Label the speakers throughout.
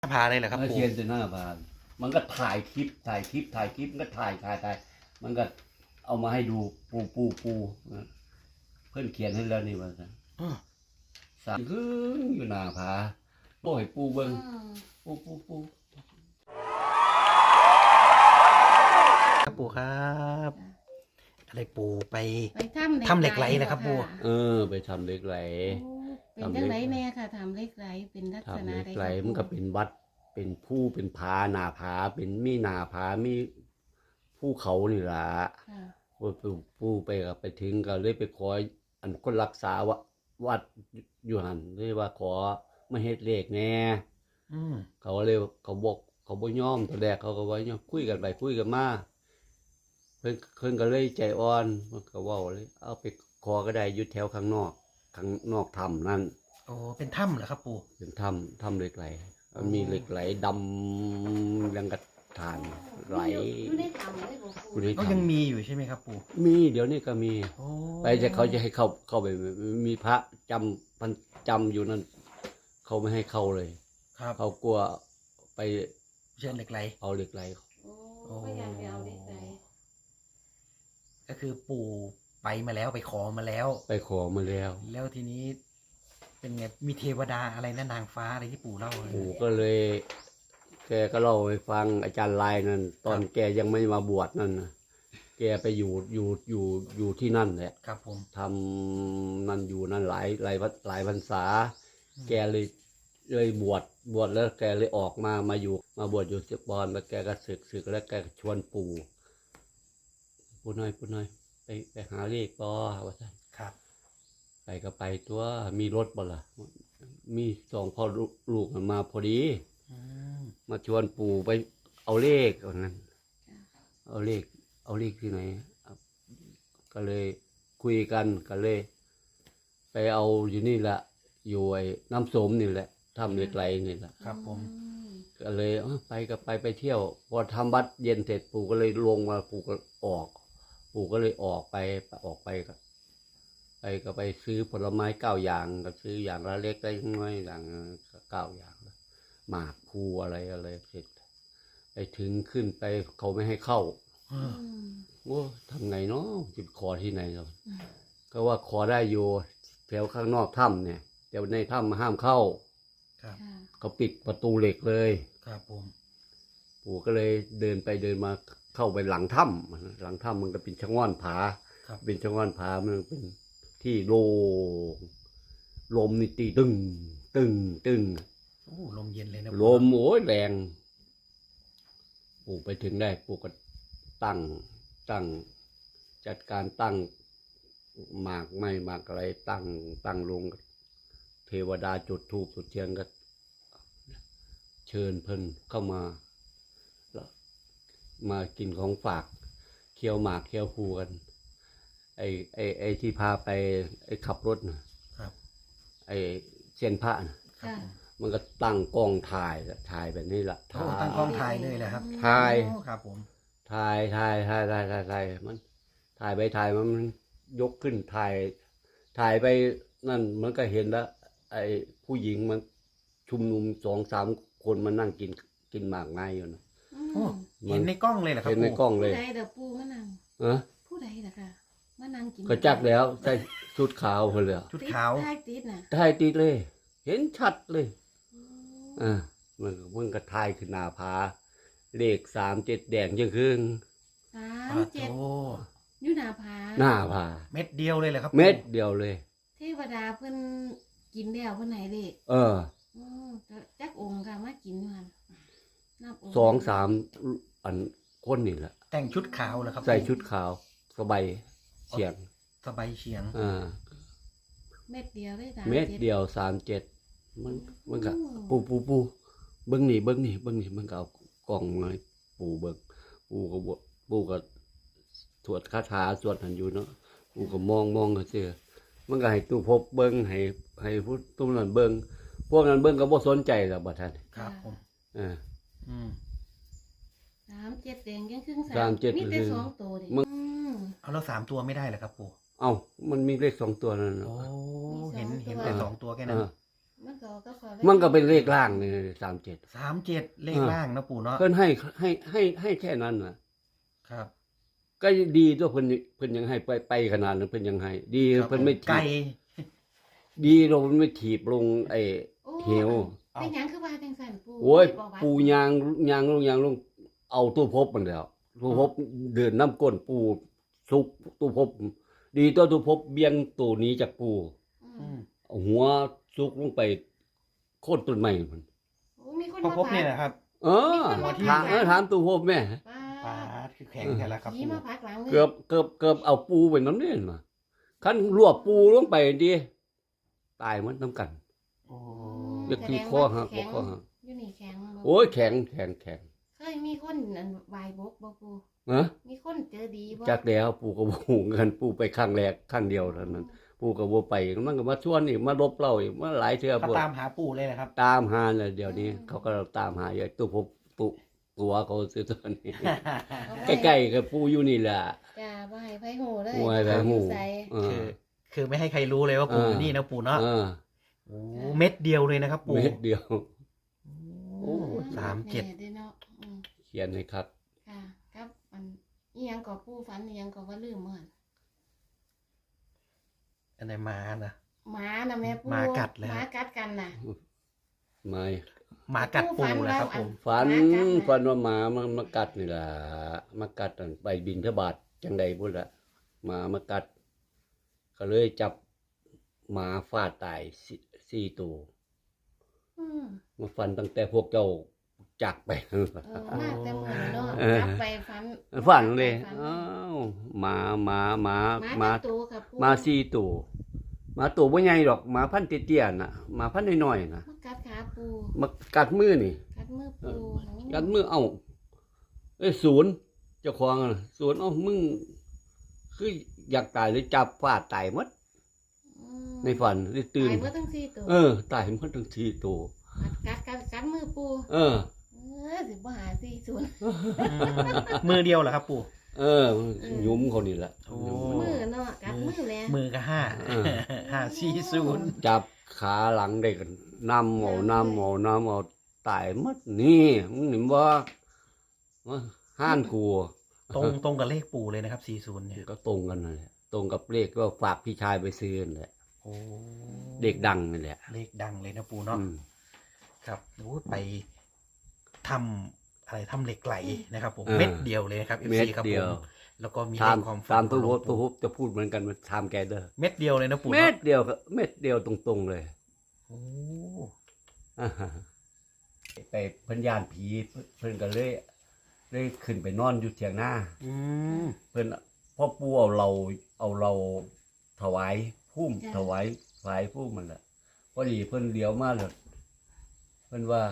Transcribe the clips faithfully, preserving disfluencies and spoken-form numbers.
Speaker 1: หน้าผาเลยเหรอครับ
Speaker 2: เมื่อ
Speaker 1: ปู่
Speaker 2: เชียนจะหน้าผามันก็ถ่ายคลิปถ่ายคลิปถ่ายคลิปมันก็ถ่ายถ่ายถ่ายมันก็เอามาให้ดูปูปูปูเพื่อนเขียนให้แล้วนี่ว่าสามขึ้นอยู่หน้าผาโอ้ยปูเบิ้งปูปูปู
Speaker 1: ครับปู่ครับอะไรปู่ไป
Speaker 3: ไปถ้ำ
Speaker 1: ถ้ำเหล็กไหลเหรอครับปู่
Speaker 2: เออ ไปทำเหล็กไหล
Speaker 3: เป็นจังไหนแน่ค่ะทำเหล็กไหลเป็นลักษ
Speaker 2: ทำ
Speaker 3: ณะ
Speaker 2: เหล็ก
Speaker 3: ใด
Speaker 2: ไหลมันก็เป็นวัดเป็นผู้เป็นผาหน้าผาเป็นมีหน้าผามีภูเขานี่ล่ะ
Speaker 3: ค่ะ
Speaker 2: ปูปูไปก็ไปถึงก็เลยไปขออันคนรักษาวัดวัดอยู่หันเลยว่าขอมาเฮ็ดเลขแน่
Speaker 1: อืม
Speaker 2: เขาเลยเขาบอกเขาบ่ยอมตอนแรกเขาก็ว่าเนี่ยคุยกันไปคุยกันมาเพิ่นเพิ่นก็เลยใจอ่อนมันก็เว้าเลยเอาไปขอก็ได้อยู่แถวข้างนอกข้างนอกถ้ำนั่น
Speaker 1: โอ้เป็นถ้ำเหรอครับปู่
Speaker 2: เป็นถ้ำถ้ำเหล็กไหลมันมีเหล็กไหลดำยังกระฐานไหล
Speaker 3: อยู่ในถ้ำเลยบอก
Speaker 2: อยู่ใน
Speaker 1: ก็
Speaker 2: ถ้ำ
Speaker 1: ยังมีอยู่ใช่ไหมครับปู่
Speaker 2: มีเดี๋ยวนี้ก็มี
Speaker 1: โอ้
Speaker 2: ไปจะเขาจะให้เข้าเข้าไปมีพระจำพันจำอยู่นั่นเขาไม่ให้เข้าเลย
Speaker 1: ครับ
Speaker 2: เขากลัวไป
Speaker 1: เชิญเหล็กไหล
Speaker 2: เอาเหล็กไหล
Speaker 3: โอ้พยายามไปเอาเหล็กไหล
Speaker 1: ก็คือปู่ไปมาแล้วไปขอมาแล้ว
Speaker 2: ไปขอมาแล้ว
Speaker 1: แล้วทีนี้ เป็นไงมีเทวดาอะไรนะนางฟ้าอะไรที่ปู่เล่าเลย
Speaker 2: ปู่ก็เลย แกก็เล่าให้ฟังอาจารย์ลายนั่นตอนแกยังไม่มาบวชนั่นนะแกไปอยู่อยู่อยู่อยู่ที่นั่นแหละ
Speaker 1: ครับผม
Speaker 2: ทำนั่นอยู่นั่นหลายหลายหลายพรรษา แกเลยเลยบวชบวชแล้วแกเลยออกมามาอยู่มาบวชอยู่สิบบอนแล้วแกก็ศึกศึกแล้วแกชวนปู่ปู่น้อยปู่น้อยไปไปหาเลขปอว่าซั่น
Speaker 1: ครับ
Speaker 2: ไปก็ไปตัวมีรถบ่ล่ะมีสองพ่อลูกมันมาพอดี
Speaker 1: อืม
Speaker 2: มาชวนปู่ไปเอาเลขว่างั้นเอาเลขเอาเลขที่ไหนก็เลยคุยกันก็เลย ไปเอาอยู่นี่แหละอยู่ไอ้น้ำสมนี่แหละทำเหล็กไหลนี่แหละ
Speaker 1: ครับผม
Speaker 2: ก็เลยเอ้าไปก็ไปไปเที่ยวพอทำวัดเย็นเสร็จปู่ก็เลยลงมาปู่ก็ออก ปู่ก็เลยออกไปออกไปก็ไปก็ไปซื้อผลไม้เก้าอย่างก็ซื้ออย่างละเล็กได้น้อยอย่างเก้าอย่างหมากภูอะไรอะไรเสร็จไปถึงขึ้นไปเขาไม่ให้เข้า
Speaker 1: เออ
Speaker 2: โอ้ทำไงเนาะจะขอที่ไหนเราก็ว่าขอได้อยู่แถวข้างนอกถ้ำเนี่ยแต่ในถ้ำห้ามเข้า
Speaker 1: ครับ
Speaker 2: เขาปิดประตูเหล็กเลย
Speaker 1: ครับผม
Speaker 2: ปู่ก็เลยเดินไปเดินมาเข้าไปหลังถ้ำหลังถ้ำมันก็เป็นชะง่อนผา
Speaker 1: ครับ
Speaker 2: เป็นชะง่อนผามันเป็นที่โล่งลมนี่ตีตึงตึงตึง
Speaker 1: โอ้ลมเย็นเลยนะ
Speaker 2: ลมโอ้ยแรงปู่ไปถึงได้ปู่ก็ตั้งตั้งจัดการตั้งหมากไม่หมากอะไรตั้งตั้งลงเทวดาจุดธูปจุดเทียนก็เชิญเพิ่นเข้ามาแล้วมากินของฝากเคี่ยวหมากเคี่ยวภูกันไอ้ไอ้ไอ้ที่พาไปไอ้ขับรถนะครับ ไอ้เซียนพระนะ
Speaker 1: ครับผม
Speaker 2: มันก็ตั้งกล้องถ่ายถ่ายแบบนี้ละ
Speaker 1: โอ้ตั้งกล้องถ่ายเลยแหละครับ
Speaker 2: ถ่าย
Speaker 1: โอ้ครับผม
Speaker 2: ถ่ายถ่ายถ่ายถ่ายถ่ายถ่ายมันถ่ายไปถ่ายมันมันยกขึ้นถ่ายถ่ายไปนั่นมันก็เห็นแล้ว ไอ้ผู้หญิงมันชุมนุมสองสามคนมานั่งกินกินหมากไม้อยู่นะ
Speaker 1: โอ้เห็นในกล้องเลยเหรอครับ
Speaker 2: เห็นใน
Speaker 1: ปู่
Speaker 2: กล้องเล
Speaker 3: ผู้
Speaker 2: ย
Speaker 3: ใดเด้อปูมานั่ง
Speaker 2: เอะ
Speaker 3: ผู้ใดล่ะค่ะมานั่งกิน
Speaker 2: ก็จักแล้วใส่ชุดขาวคนเลย
Speaker 1: ชุดขาว
Speaker 3: ใต้ติดน่ะ
Speaker 2: ถ่ายติดเลย เห็นชัดเลย
Speaker 3: อืม
Speaker 2: อ่ามันมันก็ถ่ายขึ้นหน้าผาเลขสามเจ็ดแดงยังครึ่ง
Speaker 3: สา
Speaker 1: ป
Speaker 3: ม
Speaker 1: ลา
Speaker 3: เจ็ด
Speaker 1: โต
Speaker 3: อยู่หน้าผา
Speaker 2: หน้าผา
Speaker 1: เม็ดเดียวเลยเหรอครับ
Speaker 2: เม็ดเดียวเลย
Speaker 3: เทวดาเพิ่นกินแล้วเพิ่นไหนเด็ก
Speaker 2: เออ
Speaker 3: อืมจักองค์ค่ะมากินอยู่หั่นนับค์
Speaker 2: สองสามอันคนนี่แหละ
Speaker 1: แต่งชุดขาวเหรอครับ
Speaker 2: ใส่ชุดขาวสบายเฉียง
Speaker 1: สบายเฉียง
Speaker 2: อ่า
Speaker 3: เม็ดเดียวได้สาม
Speaker 2: เม็ด
Speaker 3: จ็
Speaker 2: เดียวสามเจ็ดมันมันก็
Speaker 3: โอ้
Speaker 2: ปูปูปูเบิ้งนี่เบิ้งนี่เบิ้งนี่มันก็เอากล่องมาให้ปูเบิ้งปูก็บปูก็สวดคาถาสวดหันอยู่เนาะปูก็มองมองก็เจอมันก็ให้ตู้พบเบิ้งให้ให้ผู้ตุ้มนั่นเบิ้งพวกนั้นเบิ้งก็บ่สนใจหรอกบัดท่าน
Speaker 1: ครับผม
Speaker 2: อ่า
Speaker 1: อืม
Speaker 3: สามเจ็ดแดงยังครึ่ง
Speaker 2: สามเจ็ด
Speaker 3: มีแต่
Speaker 2: คือ
Speaker 3: สองตัวดิ
Speaker 2: มึง
Speaker 3: อืม
Speaker 1: เอาแล้วสามตัวไม่ได้เหรอครับปู่
Speaker 2: เอ้ามันมีเลขสองตัวนั่น
Speaker 1: โอ้
Speaker 2: เนาะ
Speaker 1: เห็น
Speaker 3: มีสองตัว
Speaker 1: เห็นแต่สองตัวแค่นั้น
Speaker 2: อ่า
Speaker 3: มันก็ก็พอ
Speaker 2: มันก็เป็นเลขล่างนี่สามเจ็ด
Speaker 1: สามเจ็ดเลขล่างนะปู่เนาะ
Speaker 2: เพิ่นให้ให้ให้ให้แค่นั้นน่ะ
Speaker 1: ครับ
Speaker 2: ก็ดีตัวเพิ่นเพิ่นยังให้ไปไปขนาดนั้นเพิ่นยังให้ ดี
Speaker 1: ครับ
Speaker 2: เพิ่นไม่
Speaker 1: ไกล
Speaker 2: ถีบดีเราเพิ่นไม่ถีบลงไอ้
Speaker 3: โอ้
Speaker 2: เหว
Speaker 3: เป็นหยังคือว่าจังซั่นปู่
Speaker 2: โอ้ย
Speaker 3: บอกว่า
Speaker 2: ปูยางยางลงยางลงเอาตู้พบมันแล้วตู้พบเดินน้ำก้นปูสุกตู้พบ ดีตัวตู้พบเบี้ยงตัวนี้จากปู
Speaker 3: อื
Speaker 1: อื
Speaker 3: ม
Speaker 1: ม
Speaker 2: เอาหัวสุกลงไปโค่นต้นไม้มัน
Speaker 3: โอ้มีคน
Speaker 1: พอ
Speaker 3: มา
Speaker 1: พบเนี่ยนะครับ
Speaker 2: เออ
Speaker 3: มีคนมา
Speaker 2: ถามเออถามตู้พบแม่
Speaker 3: ป้า
Speaker 1: ปาดคือแข็งแค่ละครับ
Speaker 3: ผี
Speaker 1: ปู่
Speaker 3: มาพักหลังเลย
Speaker 2: เกือบเกือบเกือบเอาปูไปน้ำเนี่ยมาคันรวบปูลงไปดีตายมันน้ำกัน
Speaker 1: โอ้
Speaker 2: เรียกที่ข้อหักบ่ข้อหัก
Speaker 3: อยู่นี่แข็งบ่
Speaker 2: โอ้ยแข็งแข็งแข็ง
Speaker 3: เคยมีคนอันวายบกบ่ปู่
Speaker 2: นะ
Speaker 3: มีคนเจอดีบ่
Speaker 2: จากแล้วปูก็บ่ฮู้กันปูไปครั้งแรกครั้งเดียวเท่านั้นปูก็บ่ไปมันก็มาชวนอีกมาลบเราอีกมาหลายเทื่อ
Speaker 1: เขา
Speaker 2: พุ่น
Speaker 1: ตามหาปู่เลยนะครับ
Speaker 2: ตามหาเลยเดี๋ยวนี้ เขาก็ตามหาอยู่ตู้พบตุตัวเขาซื้อตัวนี้ ใกล้ๆกับปูอยู่นี่แหละ
Speaker 3: จ้าบ่ให้ไผฮู้เลย
Speaker 2: บ่ให้ไผฮู้
Speaker 3: อยู่ไส
Speaker 2: เอ
Speaker 1: คือ
Speaker 2: อ
Speaker 1: คือไม่ให้ใครรู้เลยว่าปู่
Speaker 2: เออ
Speaker 1: อยู่นี่นะปู่เนาะ
Speaker 2: เออ
Speaker 1: โอ้เม็ดเดียวเลยนะครับปู่
Speaker 2: เม็ดเดียว
Speaker 1: โอ้สามเจ็ด
Speaker 3: แน่ด้อเนาะอืม
Speaker 2: เขียนให้ครับ
Speaker 3: ค่ะครับอันอีหยังก็ปู่ฝันอีหยังก็ว่าลืมเหมือน
Speaker 1: อันไหนมานะ
Speaker 3: หมาน่ะแม่ปู่
Speaker 1: หมากัดแล้ว
Speaker 3: หมากัดกันน่ะ
Speaker 2: ไม่
Speaker 1: หมากัดปู่นะครับผม
Speaker 2: ฝัน
Speaker 3: หมากัดนะ
Speaker 2: ฝันว่าหมามันมากัดนี่ล่ะมากัดอันไปบินทบาทจังใดพุ่นละหมามากัด ก็เลยจับหมาฟาดตายสี่สี่ตัว
Speaker 3: อืม
Speaker 2: มาฟันตั้งแต่พวกเจ้าจากไป
Speaker 3: เออมาแต่มื้อเนาะ
Speaker 2: เออ
Speaker 3: กลับไปฝัน
Speaker 2: ฝันเลย
Speaker 3: ฝัน
Speaker 2: อ้าวหมาหมาหมา
Speaker 3: หมา
Speaker 2: หมา
Speaker 3: จักตัวค่ะปู่
Speaker 2: หมาสี่ตัวหมาตัวบ่ใหญ่หรอกหมาพันธุ์เตี้ยๆน่ะหมาพันธุ์น้อยๆน่ะ
Speaker 3: มากัดขาปู่
Speaker 2: มากัดมือนี่
Speaker 3: กัดมือปู่
Speaker 2: กัดมือเอ้าเอ้ยศูนย์เจ้าของน่ะศูนย์เอ้ามึงคืออยากตายหรือจับฟาดตายหมด
Speaker 3: อืม
Speaker 2: ในฝันได้ตื่น
Speaker 3: ตายเมื่อตั้งสี่ตัว
Speaker 2: เออ ตายหมดทั้งสี่ตัว
Speaker 3: กัดกัดกัดมือปู่
Speaker 2: เออ
Speaker 3: เออสิบ่หาสี่ศูนย์
Speaker 1: อืมมือเดียวเหรอครับปู่
Speaker 2: เออหยุ้มเขานี่แหละ
Speaker 1: โอ้
Speaker 3: มือเนาะกัดมือแหละ
Speaker 1: มือก็ห้า
Speaker 2: เออ
Speaker 1: ห้าสี่ศูนย์
Speaker 2: จับขาหลังได้กันนำเอานำเอานำเอาตายหมดนี่มึงเห็นบ่ว่าห้านกู
Speaker 1: ตรงตรงกับเลขปู่เลยนะครับสี่ศูนย์เนี่ย
Speaker 2: ก็ตรงกันนั่นแหละตรงกับเลขก็ฝากพี่ชายไปซื้อนั่นแหละ
Speaker 1: โอ้
Speaker 2: เด็กดังนี่แหละ
Speaker 1: เลขดังเลยนะปู่เนาะ
Speaker 2: อืม
Speaker 1: ครับโอ้ไปทำอะไรทำเหล็กไหลนะครับผม
Speaker 2: เออ
Speaker 1: เม็ดเดียวเลยนะครับเอฟ
Speaker 2: เม็
Speaker 1: ซี
Speaker 2: ด
Speaker 1: ครับ
Speaker 2: เดี
Speaker 1: ผ
Speaker 2: ยว
Speaker 1: มแล้วก็มี
Speaker 2: ตาม
Speaker 1: เลขความฝัน
Speaker 2: ตามตู้
Speaker 1: ของหล
Speaker 2: ฮ
Speaker 1: ว
Speaker 2: บ
Speaker 1: ง
Speaker 2: ตู้
Speaker 1: ปู่
Speaker 2: ฮบจะพูดเหมือนกันมาทำแกเด้อ
Speaker 1: เม็ดเดียวเลยนะปู่
Speaker 2: เม็
Speaker 1: เนาะ
Speaker 2: ดเดียวก็เม็ดเดียวตรงๆเลย
Speaker 1: โอ้
Speaker 2: อ่าฮะไปเพิ่นย่านผีเพิ่นก็เลยเลยขึ้นไปนอนอยู่เถียงหน้า
Speaker 1: อืม
Speaker 2: เพิ่นพ่อปู่เอาเราเอาเราถวายพุ่มถวายถวายพุ่มมันแหละพอดีเพิ่นเลี้ยวมาเลยเพิ่นว่า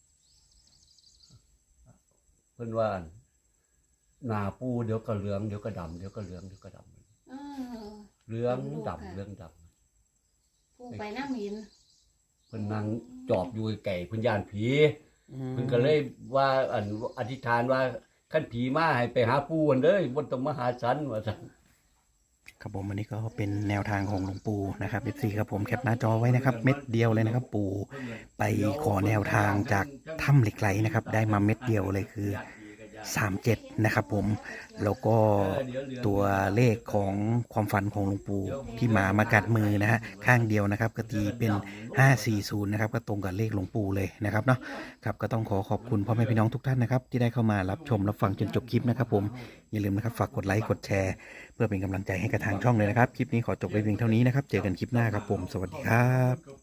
Speaker 2: เพิ่นว่าหน้าปูเดี๋ยวก็เหลืองเดี๋ยวก็ดำเดี๋ยวก็เหลืองเดี๋ยวก็ดำ
Speaker 3: เออ
Speaker 2: เหลืองดำเหลืองดำ
Speaker 3: ปู่ไปน้ำหิน
Speaker 2: เพิ่นนั่งจอบอยู่ไก่เพิ่นย่านผี
Speaker 1: อืม
Speaker 2: เพิ่นก็เลยว่าอันอธิษฐานว่าคันผีมาให้ไปหาปู่กันเด้อบ่ต้องมาหาฉันว่าซั่น
Speaker 1: ครับผมอันนี้ก็เป็นแนวทางของหลวงปู่นะครับเอฟซีครับผมแคปหน้าจอไว้นะครับ เม็ดเดียวเลยนะครับ ปู่ไปขอแนวทางจากถ้ำเหล็กไหลนะครับ ได้มาเม็ดเดียวเลยคือสามเจ็ดนะครับผมแล้วก็ตัวเลขของความฝันของหลวงปู่ที่หมามากัดมือนะฮะข้างเดียวนะครับก็ตีเป็นห้าสี่ศูนย์นะครับก็ตรงกับเลขหลวงปู่เลยนะครับเนาะครับก็ต้องขอขอบคุณพ่อแม่พี่น้องทุกท่านนะครับที่ได้เข้ามารับชมรับฟังจนจบคลิปนะครับผมอย่าลืมนะครับฝากกดไลค์กดแชร์เพื่อเป็นกำลังใจให้กับทางช่องเลยนะครับคลิปนี้ขอจบไว้เพียงเท่านี้นะครับเจอกันคลิปหน้าครับผมสวัสดีครับ